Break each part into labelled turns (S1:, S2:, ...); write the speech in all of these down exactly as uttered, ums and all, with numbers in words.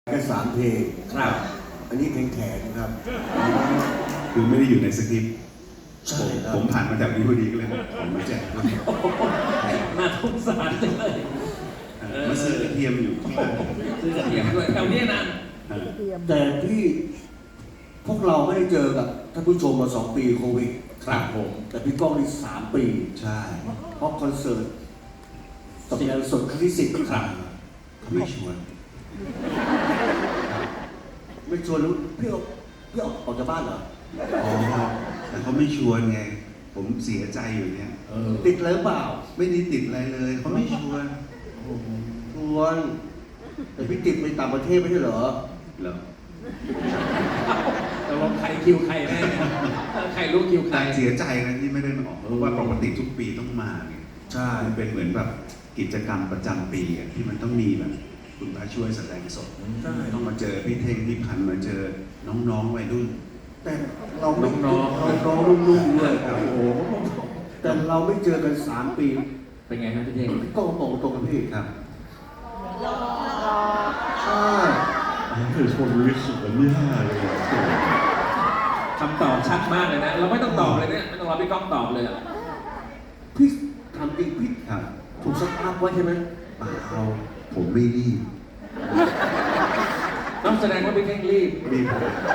S1: แค่สามเพลง
S2: ครับ
S1: อันนี้เพลงแขนครับ
S3: คือไม่ได้อยู่ในสคริปต์
S1: ใช่ครับ
S3: ผมผ่านมาจากนี้พอดีก็เลยบอกผมมาแจกด้วย
S2: น่าสงสารจังเลย
S3: เออมาซื้อกระเทียมอยู่ที่ร้าน
S2: ซื้อกระเทียมด้วยแถวนี้นะ
S3: เออ
S1: แต่ที่พวกเราไม่ได้เจอกับท่านผู้ชมมาสองปีโควิด
S2: ครับผม
S1: แต่พี่ก้องนี่สามปี
S3: ใช่
S1: เพราะคอนเสิร์ตสัปดาห์สดครั้งที่สิบ
S3: ครับเขาไม่ชวน
S1: ไม่ชวนรู้พี่ออกพี่ออกออกจากบ้านเหรอ
S3: อ๋อแต่เขาไม่ชวนไง ผมเสียใจอยู่เนี่ย
S2: เออ
S1: ติดเลยเปล่า
S3: ไม่ได้ติดอะไรเลยเขาไม่ชวน
S1: ชวน แต่พี่ติดไปต่างประเทศไม่ใช่เหรอ
S3: เหรอ
S2: ตกลงใครคิวใครแน่เนี่ยใครรู้คิวใคร
S3: แต่เสียใจนะที่ไม่ได้มาออกเพราะว่าปกติทุกปีต้องมาไง
S1: ใช่
S3: มันเป็นเหมือนแบบกิจกรรมประจำปีอะที่มันต้องมีแบบคุณพระช่วยแสดงสด
S1: ใช่
S3: ต้องมาเจอพี่เท่งพี่พันธุ์มาเจอน้องๆวัยรุ่น
S1: แต่เราไม่
S2: น้องๆ
S1: น้องๆรุ่นๆด้วย
S3: ครับ
S1: โอ้โหแต่เราไม่เจอกันสามปี
S2: เป็นไงครับพี่เท่ง
S1: พี่ก้องตรงตรงกับพี่
S3: ครับ
S1: ใช่
S3: คือคนรู้สึกมันไม่ห้าเลย
S2: คำตอบชัดมากเลยนะ เราไม่ต้องตอบเลยเนี่ยไม่ต้องรอพี่ก้องตอบเลยอะ
S1: พี่ทำจริงพี่
S3: ครับ
S1: ถูกสตาร์ทไว้ใช่ไหม
S3: เปล่าผมไม่รีบ
S2: ต้องแสดงว่าพี่เท่งรีบ
S3: รีบ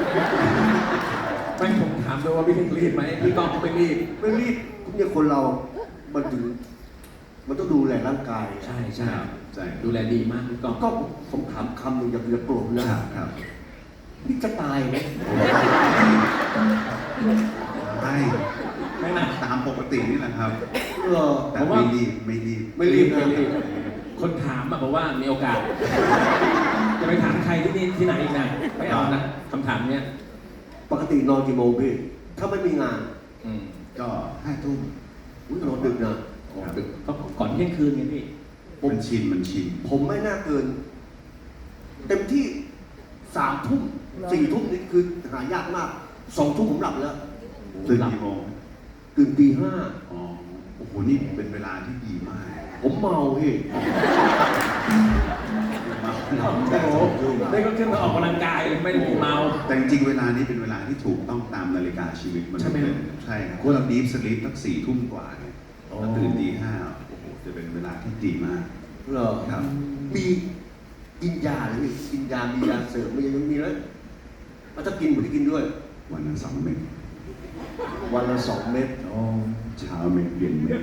S2: ไม่ผมถามด้วยว่าพี่เท่งรีบไหมพี่ก้องก็ไม่รีบ
S1: ไม่รีบเนี่ยคนเรา มันถึง มันต้องดูแลร่างกาย
S2: ใช่ใช่
S3: ใช่
S2: ดูแลดีมากพี่ก้อง
S1: ก็ผมถามคำหนึ่งอย่าอย่าโกรธนะครับ
S3: ครับ
S1: พี่จะตายไหม
S3: ไม่
S2: ไม่นะ
S3: ตามปกตินี่แหละครับ
S1: เออ
S3: แต่ไม่รีบไม่รีบ
S1: ไม่รีบ
S2: ไม่รีบ คนถามอะบอกว่ามีโอกาส จะไปถามใครที่นี่ที่ไหนอีกนะไม่เอานะคำถามเนี้ย
S1: ปกตินอนกี่โมงพี่ ถ้าไม่มีงาน
S2: อืม
S3: ก็ห้าทุ่ม
S1: อุ๊ยนอนดึกนะ
S3: ครับ
S2: ดึกก็ก่อนเที่ยงคืนไงพี่
S3: มันชินมันชิน
S1: ผมไม่น่าเกิน เต็มที่สามทุ่มสี่ทุ่มนี่คือหายากมากสองทุ่มผมหลับแล้ว
S3: ตื่นกี่โมง
S1: ตื่นตีห้า
S3: อ๋อโอ้โหนี่เป็นเวลาที่ดีมาก
S1: ผมเมาพี่
S3: มา
S2: โอ้โหได้ก็ขึ้นมาออกกำลังกายเลยไม่ได้มีเมา
S3: แต่จริงๆเวลานี้เป็นเวลาที่ถูกต้องตามนาฬิกาชีวิตมัน
S2: ใช่ไหม
S3: ใช่ครับเพราะเราดีฟสลีปตั้งสี่ทุ่มกว่าเนี่ย
S2: อ๋อ
S3: แล้วตื่นตีห้าโอ้โหจะเป็นเวลาที่ดีมาก
S1: เหรอ
S3: ครับ
S1: มีกินยาหรือกินยา มียาเสริมมียังมีแล้วมันจะกินผมจะกินด้วย
S3: วันละสองเม็ด
S1: วันละสองเม็ด
S3: อ๋อเช้าเม็ดเย็นเม็ด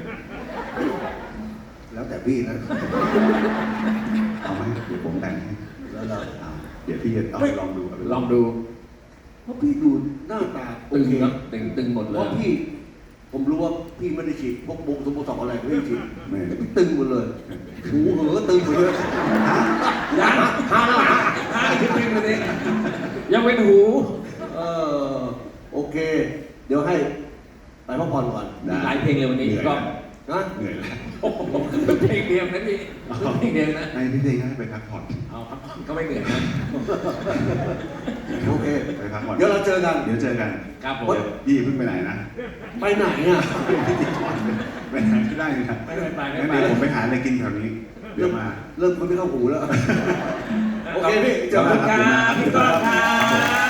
S1: แล้วแต่พี่นะ
S3: เอาไหมเดี๋ยวผมแต่งให้
S1: แล้วเรา
S3: เอาเดี๋ยวพี่จะเอาไปลองดูเอาไป
S2: ลองดู
S1: เพราะพี่ดูหน้าตาโอ
S2: ตึง
S1: เค
S2: เนอะตึงตึงหมด
S1: เพ
S2: เลย
S1: ราะพี่ ผมรู้ว่าพี่ไม่ได้ฉีดพวกบุกสมบูรณ์อะไรไม่ได้ฉีด
S3: ไม่
S1: แต่พี่ตึงหมดเลยหูเหอตึงหมดเลย
S2: ยังห้าห้าห้าขึ้นตึงเลยยังเป็นหู
S1: เออโอเค เดี๋ยวให้ไปพักผ่อนก่อน
S2: มีหลายเพลงเลยวันนี้ก็
S1: นะ
S3: เหนื่อยแล้ว
S2: โอ้โหเป็นเพลงเดียวนะพี่เป็นเพลงเดียวนะ
S3: ให้พี่เทงให้ไปพักผ่อน
S2: เอาครับก็ไม่เหนื่อยนะ
S1: โอเค
S3: ไปพักผ่อน
S1: เดี๋ยวเราเจอกัน
S3: เดี๋ยวเจอกัน
S2: ครับผม
S3: เดี๋ยวพี่เพิ่งไปไหนนะ
S1: ไปไหนอ่ะ
S3: พิธีกรไปไหนไม่ได้นะ
S2: ไม่ไปไม่
S3: งั้น
S2: ไป
S3: เดี๋ยวผมไปหาอะไรกินแถวนี้ เดี๋ยวมา
S1: เริ่มคนไม่เข้าหูแล้ว โอเคพี่เจ
S2: ข
S1: อ
S2: อบ
S1: กั
S2: คุ
S1: น
S2: ณครับพี่ก้องครับ